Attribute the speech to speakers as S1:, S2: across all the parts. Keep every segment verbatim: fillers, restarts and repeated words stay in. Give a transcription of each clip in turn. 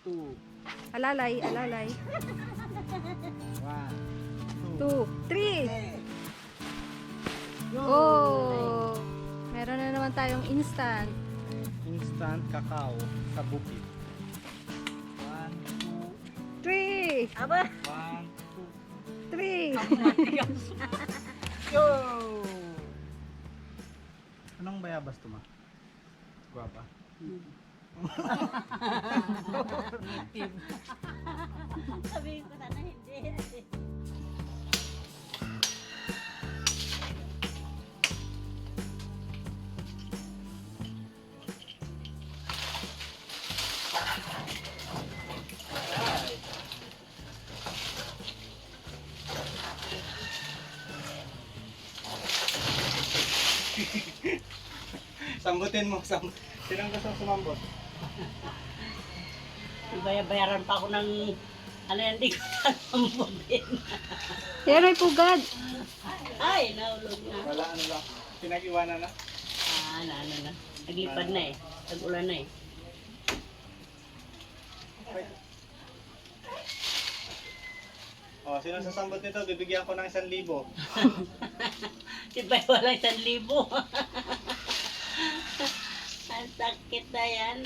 S1: two.
S2: Alalay, alalay.
S1: One,
S2: Two, three.
S1: Go!
S2: Oh! Meron na naman tayong instant.
S1: Instant cacao sa bukid. One, two,
S2: Three!
S3: Aba!
S1: one, two.
S2: Three!
S1: Go! Anong bayabas to, ma? Guwapa.
S3: Sabihin ko na na hindi.
S1: Sambutin mo, sam. Sinang gusto sumambot?
S3: Bayaran pa ako ng ano yan, hindi ko sasambutin.
S2: Yan ay pugad.
S3: Ay, naulog na.
S1: Wala, ano lang. Pinag-iwanan na.
S3: Ah, na, ano na. Naglipad na eh. Tag-ulan na eh.
S1: Oh, sino sasambot nito? Bibigyan ko ng isang libo.
S3: Diba wala isang libo? Ang sakit na yan.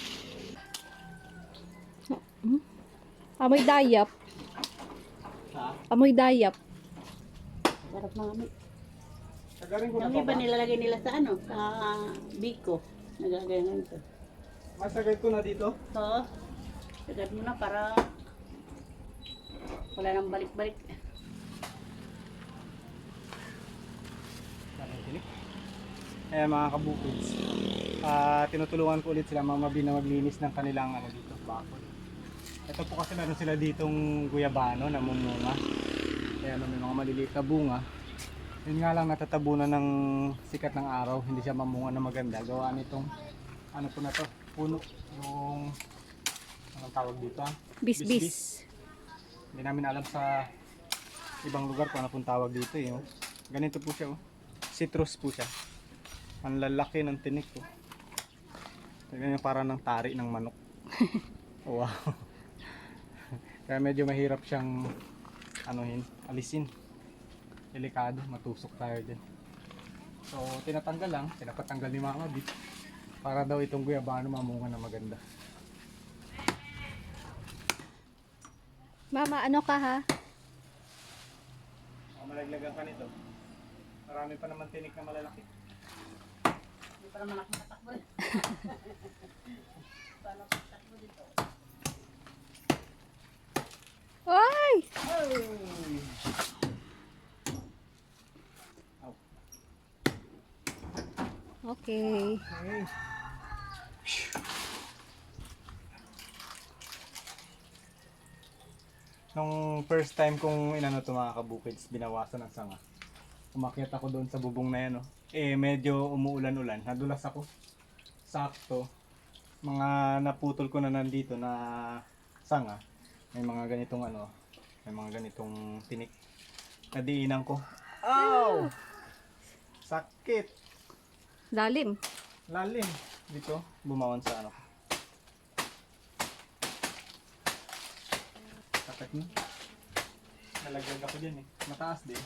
S2: Amoy dayap.
S1: Ha?
S2: Amoy dayap.
S3: Sarap na kami.
S1: Sagarin ko na
S3: Kami
S1: pa
S3: ba
S1: ba?
S3: nilalagay nila sa ano? Sa biko. Nagagayon ito.
S1: Masagay ko na dito.
S3: Oo. Sagad mo na para wala nang balik-balik.
S1: Ayan mga kabukids. Ah, tinutulungan ko ulit sila Mama B na maglinis ng kanilang ano dito, bakod. Ito po kasi meron sila ditong guyabano na mumunga. Kaya may mga maliliit na bunga. Yun nga lang natatabunan ng sikat ng araw, hindi siya mamunga na maganda. Gawa nitong ano po na to, puno yung anong tawag dito ah?
S2: Bis-bis.
S1: Hindi namin alam sa ibang lugar kung ano pong tawag dito eh. Oh. Ganito po siya oh. Citrus po siya. Ang lalaki ng tinik ko. Tignan yung parang ng tari ng manok. Wow. Kaya medyo mahirap siyang anuhin, alisin. Delikado, matusok tayo dyan. So tinatanggal lang, pinapatanggal ni Mama B para daw itong guyabano mamunga na maganda.
S2: Mama, ano ka ha?
S1: Baka malaglagan ka nito. Marami pa naman tinik na malalaki.
S3: Hindi pa naman ako matakbo. Paano ako matakbo dito?
S2: Ay! Okay.
S1: Okay. Nung first time kong inano to mga kabukids, binawasan ng sanga. Umakyat ako doon sa bubong na yan, oh. Eh medyo umuulan-ulan, nadulas ako. Sakto. Mga naputol ko na nandito na sanga. May mga ganitong ano, may mga ganitong tinik. Nadiinan ko. Ow! Sakit!
S2: Lalim.
S1: Lalim. Dito, bumawan sa ano. Sakit mo. Nalaglag ako dyan eh. Mataas din.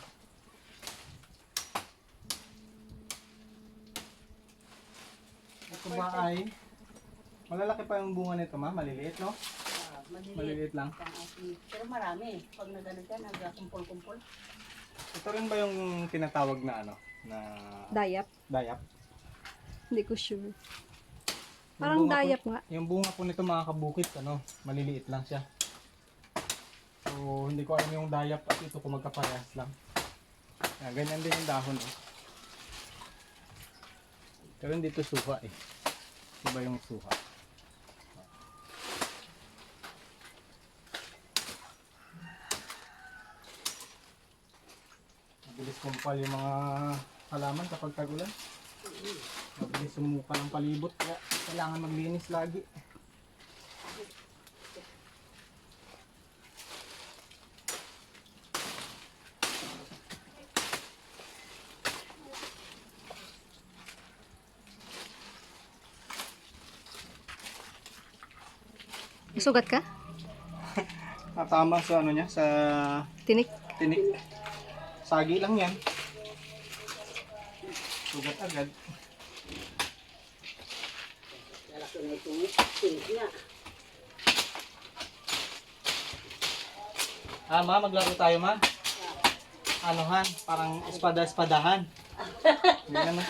S1: Ito ba ay malalaki pa yung bunga nito ma? Maliliit no?
S3: Ah, maliliit.
S1: Maliliit lang.
S3: Ang ating- Pero marami. Pag nagano dyan, nagkumpul-kumpul.
S1: Ito rin ba yung tinatawag na ano? Na
S2: Dayap.
S1: dayap?
S2: Hindi ko sure.
S1: Yung
S2: Parang
S1: bunga po-
S2: dayap nga.
S1: Yung bunga po nito mga kabukit, ano, maliliit lang siya. So, hindi ko alam yung dayap at ito kung magkaparehas lang. Yan, ganyan din yung dahon. Eh. Pero dito suha eh. Iba yung suha. Mabilis kumpal yung mga halaman kapag tagulan. Mabilis sumuka ng palibot kaya kailangan maglinis lagi.
S2: Sugat ka?
S1: Natama sa ano niya, sa
S2: Tinik?
S1: tinik. Sagi lang yan. Sugat agad.
S3: Lalaki na itong tinik niya.
S1: Ah, ma, maglaro tayo, ma. Anuhan, parang espada-espadahan. Ganyan na.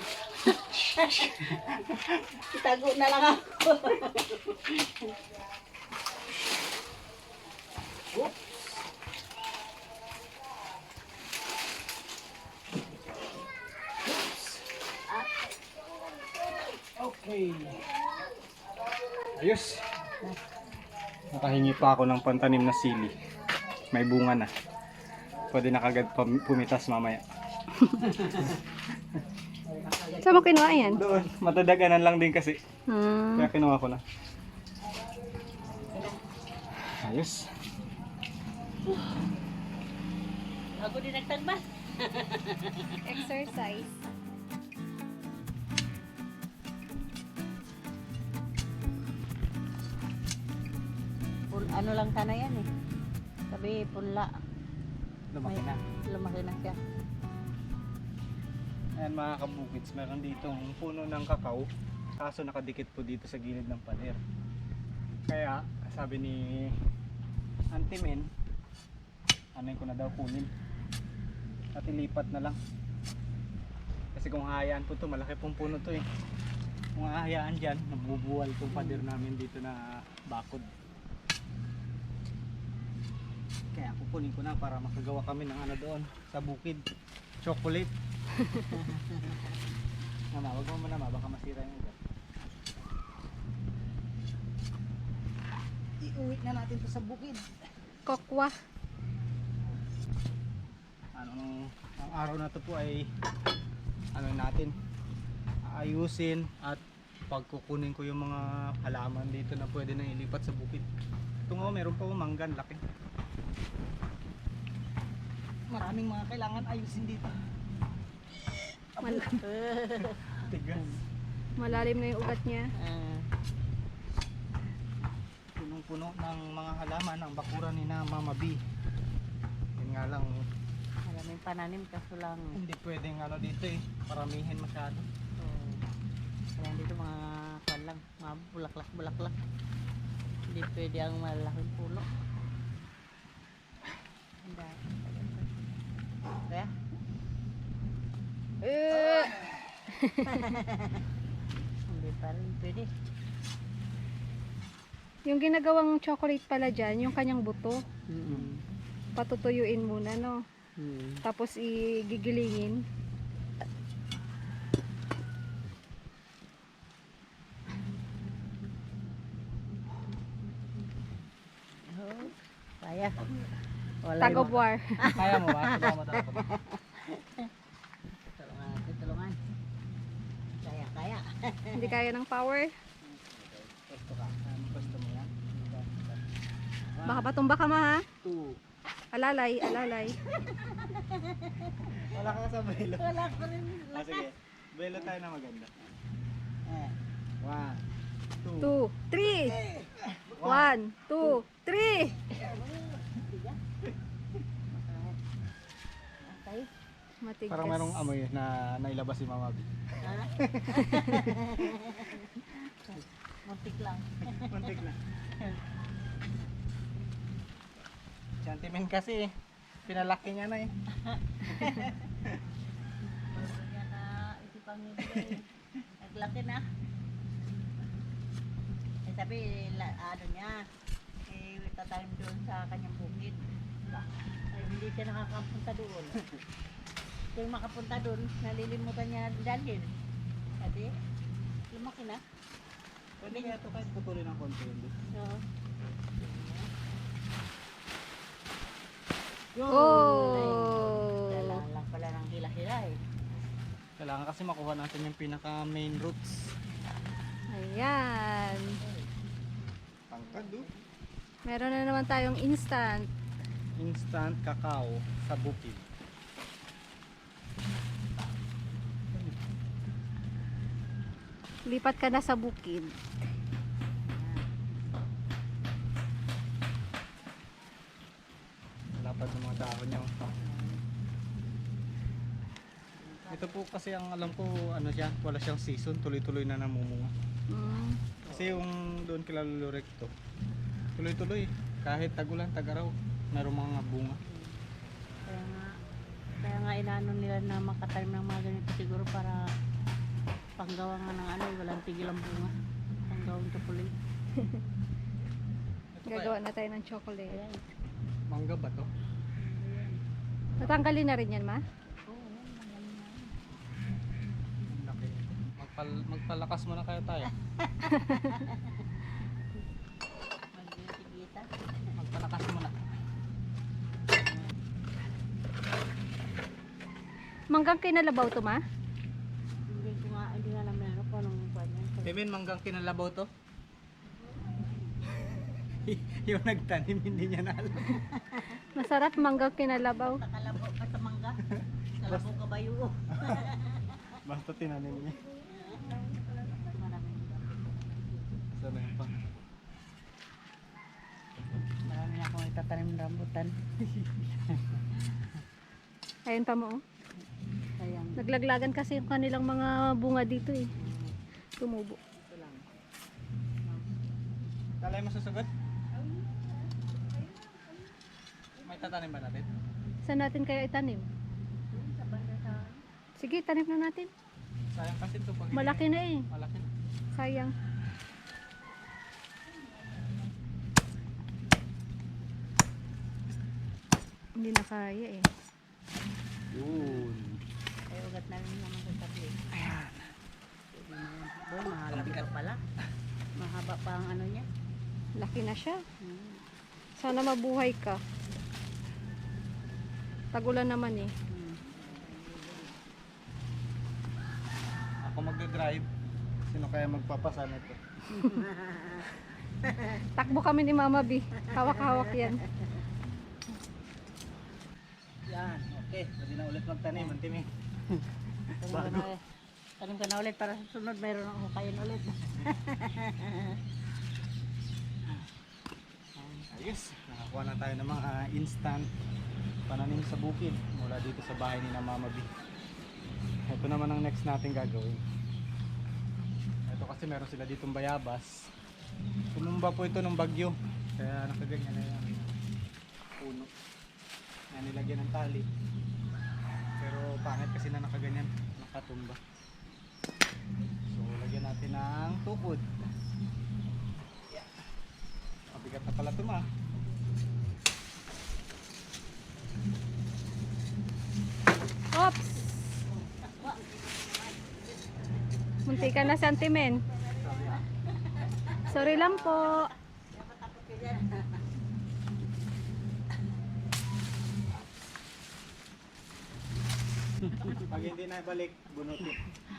S3: Itago na lang ako.
S1: Okay. Ayos. Nakahingi pa ako ng pantanim na sili. May bunga na. Pwede na kagad pam- pumitas mamaya.
S2: Saan mo kinuha yan?
S1: Doon, matadaganan lang din kasi.
S2: Hmm.
S1: Kaya kinuha ko na. Ayos.
S3: Ako din nagtagba.
S2: Exercise.
S3: Pul ano lang sana yan eh. Sabi punla.
S1: Lumaki na.
S3: Lumaki na siya.
S1: Ayan mga kabukits, meron dito ang puno ng kakao. Kaso nakadikit po dito sa gilid ng pader. Kaya sabi ni Auntie Men, ano ko na daw kunin. At ilipat na lang. Kasi kung hahayaan po to, malaki pong puno to eh. Kung hahayaan dyan, nabubuwal tong pader namin dito na bakod. Kaya kukunin ko na para makagawa kami ng ano doon sa bukid. Chocolate. Mama, wag mo muna ma, baka masira yung ugat. Iuwi na natin to sa bukid.
S2: Kokwa.
S1: Ano, ang araw na to po ay ano natin, ayusin at pagkukunin ko yung mga halaman dito na pwede na ilipat sa bukid. Ito nga, meron pa manggan, laki. Maraming mga kailangan ayusin dito.
S2: Mal-
S1: Tigas.
S2: malalim na yung ugat niya.
S3: Ah,
S1: Punong-puno ng mga halaman ang bakuran ni na Mama B. Yun nga lang,
S3: maraming pananim kaso lang.
S1: hindi pwedeng ano dito eh, paramihin masyado.
S3: Oh, kaya dito mga kwan lang, mga bulaklak bulaklak. Hindi pwede ang malaking puno. Ang dami. Kaya?
S2: Uh,
S3: Hindi pa rin pwede.
S2: yung ginagawang chocolate pala dyan, yung kanyang buto,
S3: Mm.
S2: patutuyuin muna, no?
S3: Mm.
S2: Tapos igigilingin.
S3: Oh, kaya. Wala
S2: Tag of
S3: yung-
S2: war.
S1: Kaya mo ba? Tulungan mo talaga ba?
S3: Tulungan natin, tulungan. Kaya, kaya.
S2: Hindi kaya ng power.
S1: Pwesto ka. Ano pwesto mo yan?
S2: Baka patumba ka ma ha?
S1: Two.
S2: Alalay, alalay.
S1: Wala ka sa belo.
S3: Wala ko rin.
S1: Ah, sige. Belo tayo na maganda.
S3: Eh,
S1: One, two.
S2: Two, three. One, two, three.
S3: okay.
S2: Matigas.
S1: Parang merong amoy na nailabas si Mama B.
S3: Ha? Muntik lang.
S1: Muntik na. Sentiment kasi eh. Pinalaki niya na eh.
S3: Yan na isipang nibigay. Naglaki na. Eh sabi, la, ano niya, eh, tatanim doon sa kanyang bukid. Ay, hindi siya nakakapunta doon. Kung makapunta doon, nalilimutan niya dalhin. Kasi, lumaki na.
S1: Pwede kaya ito kahit putulin ng konti yun.
S3: So,
S2: Oh.
S3: kailangan lang pala ng hila-hila eh.
S1: Kailangan kasi makuha natin yung pinaka main roots.
S2: Ayan.
S1: Tangkad do.
S2: Meron na naman tayong instant.
S1: Instant cacao sa bukid.
S2: Lipat ka na sa bukid.
S1: lapad ng mga dahon niya. oh. Ito po kasi ang alam ko, ano siya, wala siyang season, tuloy-tuloy na namumunga.
S2: Mm.
S1: Kasi yung doon kila Lolo Recto, tuloy-tuloy, kahit tagulan, tag-araw, mayroong mga bunga.
S3: Kaya nga, kaya nga inano nila na makatanim ng mga ganito siguro para panggawa nga ng ano, walang tigil ang bunga. Panggawang chocolate.
S1: Ito kaya,
S2: Gagawa na tayo ng chocolate.
S3: Ayan.
S1: mangga ba to?
S3: Ayan.
S2: Natanggalin na rin yan, ma?
S3: Oo, ayan, magaling na.
S1: Ang laki. Magpal magpalakas muna kaya tayo.
S3: Magbisigita.
S1: Magpalakas muna.
S2: Manggang kinalabaw to, ma?
S3: Hindi ko nga, hindi nga namin ano kung anong buwan yan.
S1: Emin, manggang kinalabaw to? Yung nagtanim, hindi niya na alam.
S2: Masarap manggang kinalabaw.
S3: Sa kalabo ka sa mangga. Kalabo ka ba yun?
S1: Basta tinanim niya.
S3: Maraming
S1: Sana yun pa.
S3: Marami na akong itatanim ng rambutan.
S2: Ayun pa mo, oh.
S3: Sayang.
S2: Naglaglagan kasi yung kanilang mga bunga dito eh. Tumubo.
S3: Ito lang.
S1: Talay mo sasagot? May tatanim ba natin?
S2: Saan natin kaya itanim?
S3: Sa banda sa
S2: Sige, tanim na natin.
S1: Sayang kasi ito pag
S2: Malaki na eh.
S1: Malaki na.
S2: Sayang. Hindi na kaya eh.
S1: Yun.
S3: ay ugat na rin naman sa tabi. Ayan. Boy, mahaba pa pala. Mahaba pa ang ano niya.
S2: Laki na siya.
S3: Hmm.
S2: Sana mabuhay ka. Tagulan naman eh.
S3: Hmm.
S1: Ako magdadrive. Sino kaya magpapasa nito?
S2: Takbo kami ni Mama B. Hawak-hawak yan.
S1: Yan, okay. Pwede na ulit magtanim, Antimi.
S3: Tanim ka na, tanim ka na ulit para sa sunod mayroon akong hukayin ulit.
S1: Ayos, nakakuha na tayo ng mga instant pananim sa bukid mula dito sa bahay ni na Mama B. Ito naman ang next natin gagawin. Ito kasi meron sila ditong bayabas. Tumumba po ito ng bagyo. Kaya nakaganyan na yung puno. Yan, nilagyan ng tali. Pero pangit kasi na nakaganyan, nakatumba. So lagyan natin ng tukod. Yeah. Mabigat na pala ito, ma.
S2: Oops! Munti ka na sentimen. Sorry lang po.
S1: Pag hindi na balik, bunutin.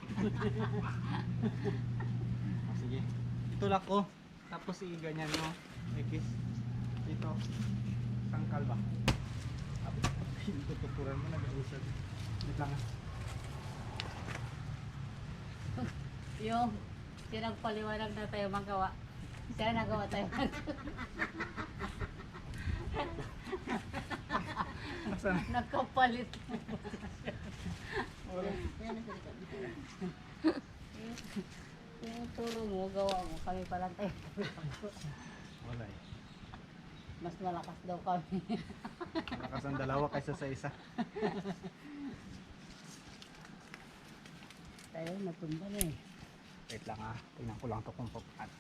S1: Ah, sige. Itulak ko. Tapos i-ganyan mo. Ikis. Dito. Tangkal ba? Yung tutupuran mo, nag-ausad. Wait lang ah.
S3: Yung pinagpaliwanag na tayo magawa. Siya nagawa tayo.
S1: Asan?
S3: Nagkapalit.
S1: Wala.
S3: Yung turo mo, gawa mo. Kami pa lang tayo.
S1: Wala eh.
S3: Mas malakas daw kami.
S1: Malakas ang dalawa kaysa sa isa.
S3: Tayo natumba na eh.
S1: Wait lang ah. Tingnan ko lang ito kung paano.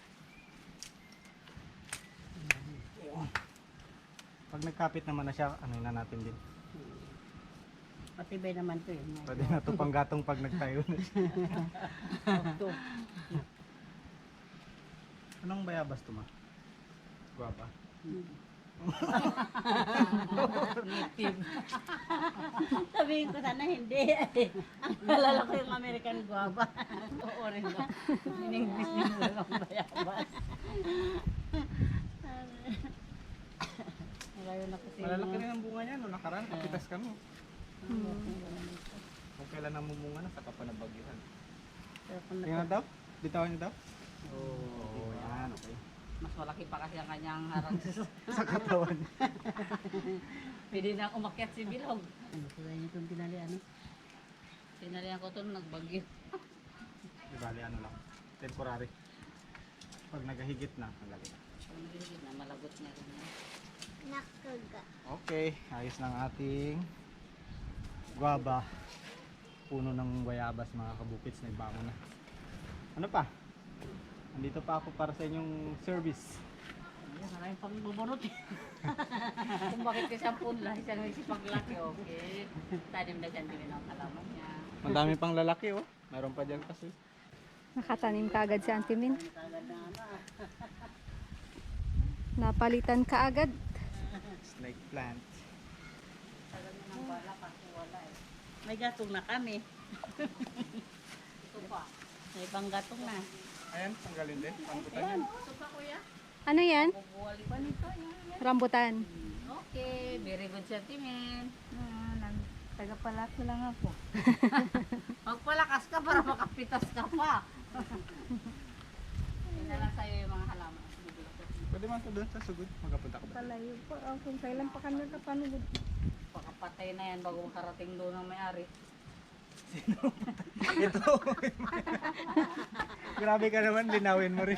S1: Yun. Pag nagkapit naman na siya, ano na natin din.
S3: Matibay naman to eh.
S1: Pwede na ito panggatong pag nagtayo na siya.
S3: Ito.
S1: Anong bayabas ito, ma? Guwapa.
S3: Native. Sabihin ko sana hindi. Ang nalala ko yung American guava. Oo rin daw. In-English din mo lang bayabas. Ngayon ako kasi
S1: Malalaki rin ang bunga niya. No, nakaraan, kapitas kami. Kung kailan namumunga na, saka pa nabagyuhan.
S3: Pero kung
S1: Tingnan daw? Bitawan niyo daw? Oo, oh, yan. Okay.
S3: Mas malaki pa kasi ang kanyang harang.
S1: Sa katawan.
S3: Pwede na umakyat si Bilog. Ano ko ganyan itong tinali, ano? Tinalihan ko ito nung nagbagyo.
S1: Di bali, ano lang. Temporary. Pag nagahigit na, nalalagay.
S3: Kung nagigit na, malagot na rin.
S2: Nakaga.
S1: Okay, ayos ng ating guava. Puno ng guayabas mga kabukits, nagbango na. Ano pa? Andito pa ako para sa inyong service.
S3: Ayan, maraming pang bubunot eh. Kung bakit kasi ang punla, isang nagsipaglaki, okay. Tanim na siya din ang halaman niya.
S1: Ang dami pang lalaki oh. Meron pa dyan kasi.
S2: Nakatanim ka agad si Auntie Min.
S3: Kagad na ano ah.
S2: Napalitan ka agad.
S1: Snake plant.
S3: Tagal na ng bala kasi wala eh. May gatong na kami. Ito pa. May ibang gatong na.
S1: Ayan, tanggalin din. Pangkutan
S3: Ayan,
S1: yan.
S3: ito pa kuya.
S2: Ano yan?
S3: Bubuwali pa nito. Yan.
S2: Rambutan.
S3: Okay, very good sentiment. Ah, nang tagapalat na lang ako. Magpalakas ka para makapitas ka pa. Yun na lang sa'yo yung mga halaman.
S1: Pwede man sa doon sa sugod. Magapunta ka ba?
S2: Palayo po. Oh, kung kailan pa kami napanugod.
S3: Pakapatay na yan bago makarating doon ng may-ari.
S1: Ito. Grabe ka naman, linawin mo rin.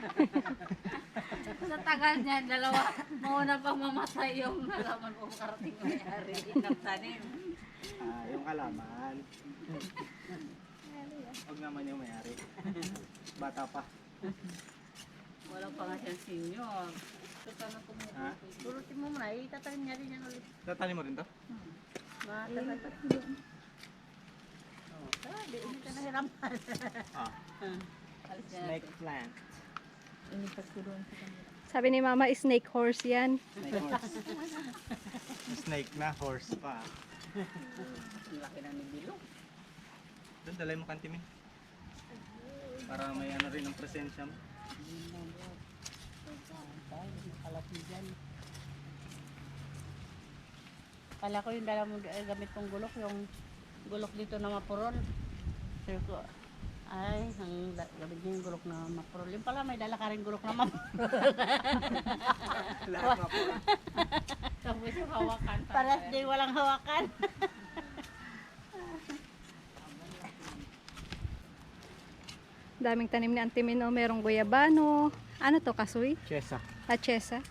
S3: Sa tagal niya, dalawa, mauna pang mamatay yung halaman kung makarating ng may-ari. Nagtanim.
S1: Ah, yung kalaman. Huwag naman yung mayari. Bata pa.
S3: Wala pa nga siyang senior. Ito pa na
S1: Ha?
S3: kumuha. Turutin mo muna, itatanim niya rin yan ulit.
S1: Tatanim mo rin to?
S3: Matagal. Oh, tara, di hindi ka nahirapan.
S1: Ah.
S3: Alis na
S1: Snake
S3: natin.
S1: plant.
S3: Inipas ko doon sa kanila.
S2: Sabi ni Mama, snake horse yan.
S1: Snake horse. Snake na, horse pa.
S3: Ang laki na ni Bilo.
S1: Doon, dalay mo kantimin. Para may ano rin ang presensya mo.
S3: Kala ko yung dala mo eh, gamit kong gulok, yung gulok dito na mapurol. Sabi ko, ay, ang da- gamit niya yung gulok na mapurol. Yung pala may dala ka rin gulok na mapurol.
S1: Lahat na po.
S3: Tapos yung hawakan. Paras din walang hawakan.
S2: Daming tanim ni Auntie Min. Oh, merong guyabano. Ano to, kasoy?
S1: Chesa.
S2: Achesa.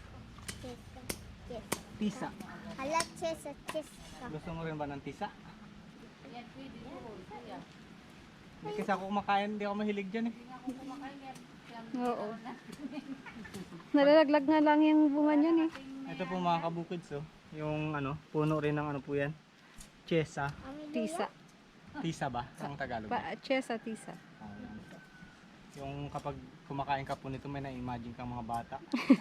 S1: Tisa.
S4: Hala, chesa, chesa.
S1: Gusto mo rin ba ng tisa?
S3: Yan, pwede yun. Kuya.
S1: Hindi kasi ako kumakain, hindi ako mahilig dyan eh.
S3: Hindi nga ako kumakain yan.
S2: Oo. Nalalaglag nga lang yung bunga niyan eh.
S1: Ito po mga kabukids oh. Yung ano, puno rin ng ano po yan. Chesa.
S2: Tisa.
S1: Tisa ba? Ang Tagalog.
S2: Pa, achesa, tisa.
S1: Ah, yan. Yung kapag kumakain ka po nito, may na-imagine kang mga bata.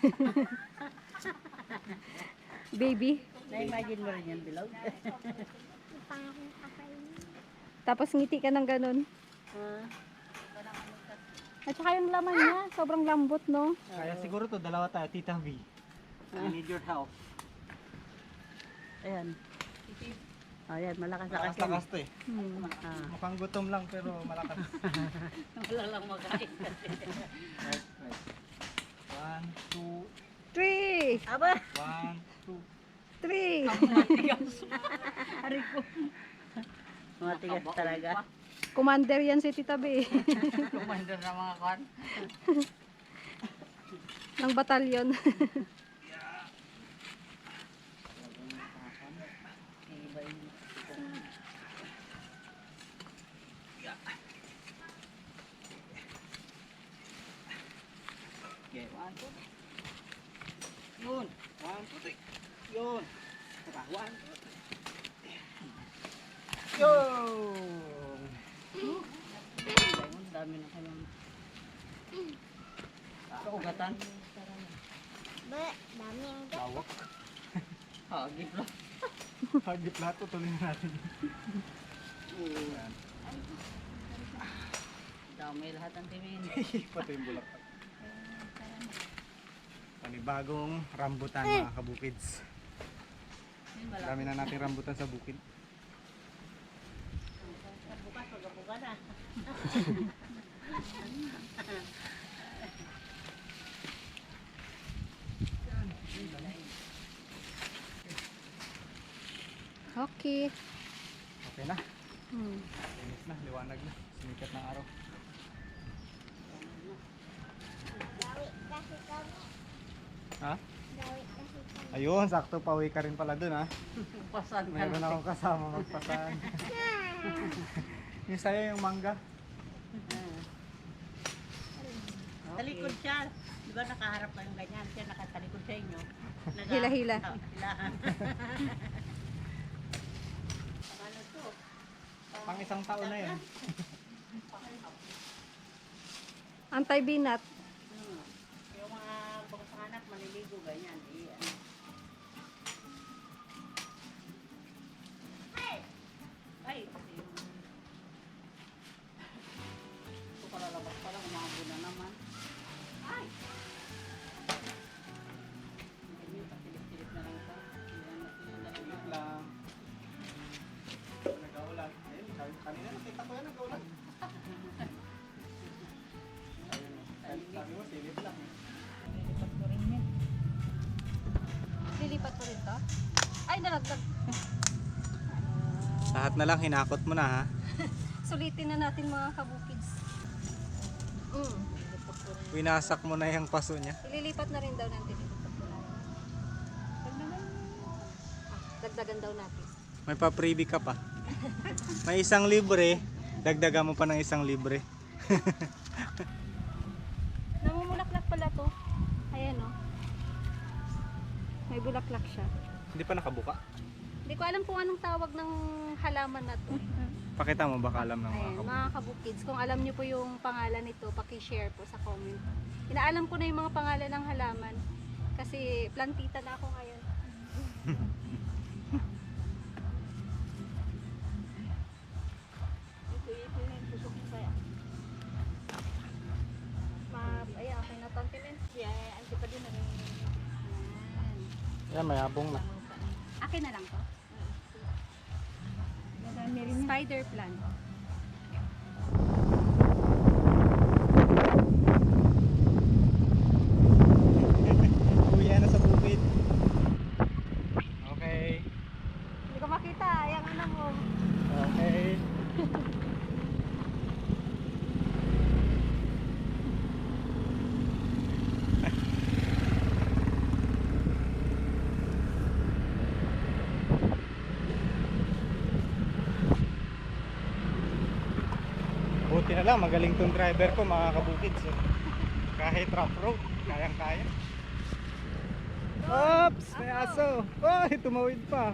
S2: Baby.
S3: Na-imagine mo rin yan, Bilog?
S4: Pangakong kakainin.
S2: Tapos ngiti ka ng ganun.
S3: Ah.
S2: At saka yung laman niya, sobrang lambot, no?
S1: Kaya siguro to, dalawa tayo, Tita V. I need your help.
S3: Ayan. Ayan, malakas na
S1: Malakas
S3: kasi.
S1: lakas to eh.
S2: Hmm.
S3: Ah.
S1: Mukhang gutom lang pero malakas.
S3: Wala lang makain kasi.
S1: Right, right. One, two,
S2: Three!
S3: Aba!
S1: one, two.
S2: Three!
S3: Matigas. Hari ko. Matigas talaga.
S2: Commander yan si Tita B.
S3: Commander ng mga kan.
S2: ng batalyon.
S3: Iba yung
S1: Okay, one, two. Yun. One, two, three. Yun. Saka, one, two, three. Yun.
S3: Ang dami na kayong kaugatan.
S4: Ba, daming gat.
S1: Lawak.
S3: Hagip lang.
S1: Hagip lahat, tutuloy na natin. Yan.
S3: Dami lahat ang timin.
S1: Pati yung bulaklak. Panibagong rambutan mga kabukids. Dami na natin rambutan sa bukid.
S3: Bukas, pagkabuka na.
S2: Okay.
S1: Okay na.
S2: Hmm.
S1: Linis na, liwanag na. Sumikat ng araw.
S4: Gawit kasi kami.
S1: Ha?
S4: Gawit kasi kami.
S1: Ayun, sakto pauwi ka rin pala dun ha.
S3: Pasan ka
S1: Meron
S3: na.
S1: akong kasama magpasan. Yung sa'yo yung mangga.
S3: Talikod siya. Di ba nakaharap kayong ganyan? Siya nakatalikod sa inyo. Naga-
S2: Hila-hila.
S3: Oh, hilaan. Ano to?
S1: Pang isang taon na yan.
S2: Anti-binat.
S3: Hmm. Yung mga bangsang anak maliligo ganyan. Eh, ano. Ay! Kasi yung... Ito palalabas pa lang, umabo na naman. Ay! Ganyan, pasilip-silip na lang ito. Yan, nasilip
S1: Ulit lang. Nag-aulan. Ayun, sabi ko kanina nakita ko yan nag-aulan. Ayun, sabi sabi mo silip lang. eh.
S3: Nililipat ko rin yan.
S2: Lilipat ko rin to? Ay, nalagdag.
S1: Lahat na lang hinakot mo na ha.
S2: Sulitin na natin mga kabukids. Mm.
S3: Nililipat ko rin.
S1: Winasak mo na yung paso niya.
S2: Ililipat na rin daw natin. Ililipat ko na. Ah, dagdagan daw natin.
S1: May pa-freebie ka pa. May isang libre, dagdagan mo pa ng isang libre.
S2: Namumulaklak pala to. Ayan o. May bulaklak siya.
S1: Hindi pa nakabuka.
S2: Hindi ko alam kung anong tawag ng halaman na to.
S1: Pakita mo baka alam ng mga
S2: Ayan,
S1: kabuka.
S2: mga kabukids, kung alam niyo po yung pangalan nito, paki-share po sa comment. Inaalam ko na yung mga pangalan ng halaman kasi plantita na ako ngayon.
S3: Ito, ito yung tusok ko kaya.
S2: Ma, ayan, okay na to, Auntie Len.
S3: Kaya, anti pa din naging...
S2: Ayan.
S1: Yan, may abong na.
S2: Akin na lang to.
S3: Marami rin yan.
S2: Spider plant.
S1: Kuya na sa bukid. Okay.
S2: Hindi ko makita, ayan ano mo.
S1: Okay. Buti na lang, magaling tong driver ko mga kabukids. eh. Kahit rough road, kayang-kaya. Oops! May aso! Ay, tumawid pa!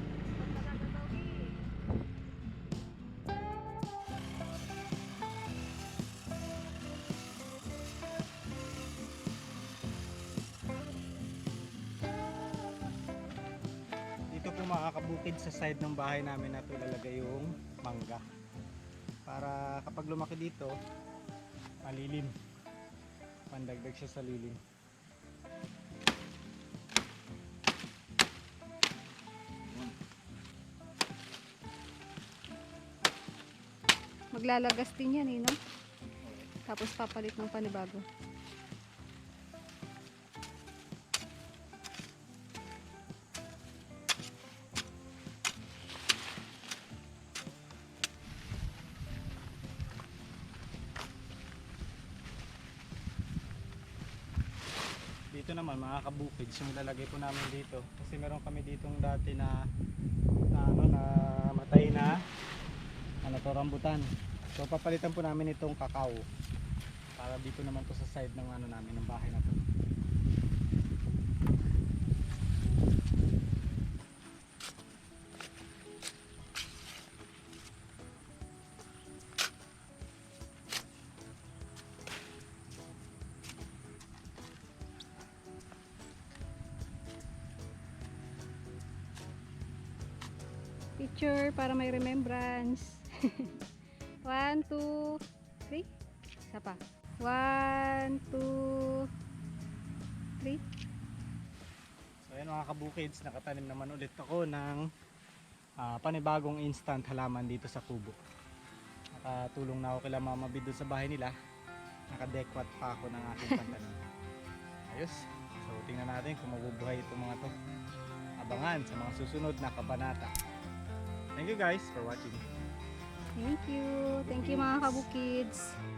S1: Dito po mga kabukid sa side ng bahay namin na ito lalagay yung mangga. Para kapag lumaki dito, malilim. Pandagdag siya sa lilim.
S2: Maglalagas din yan eh, no? Tapos papalit ng panibago.
S1: Dito naman mga kabukids, yung lalagay po namin dito. Kasi meron kami ditong dati na na ano na matay na ano to, rambutan. So papalitan po namin itong kakao. Para dito naman to sa side ng ano namin ng bahay na to.
S2: Picture para may remembrance. One, two, three. Isa pa. One, two, three.
S1: So ayan mga kabukids, nakatanim naman ulit ako ng ah, panibagong instant halaman dito sa kubo. Nakatulong na ako kila Mama Bid doon sa bahay nila. Nakadekwat pa ako ng aking pantanim. Ayos. So tingnan natin kung mabubuhay itong mga to. Abangan sa mga susunod na kabanata. Thank you guys for watching.
S2: Thank you. Thank you mga kabukids.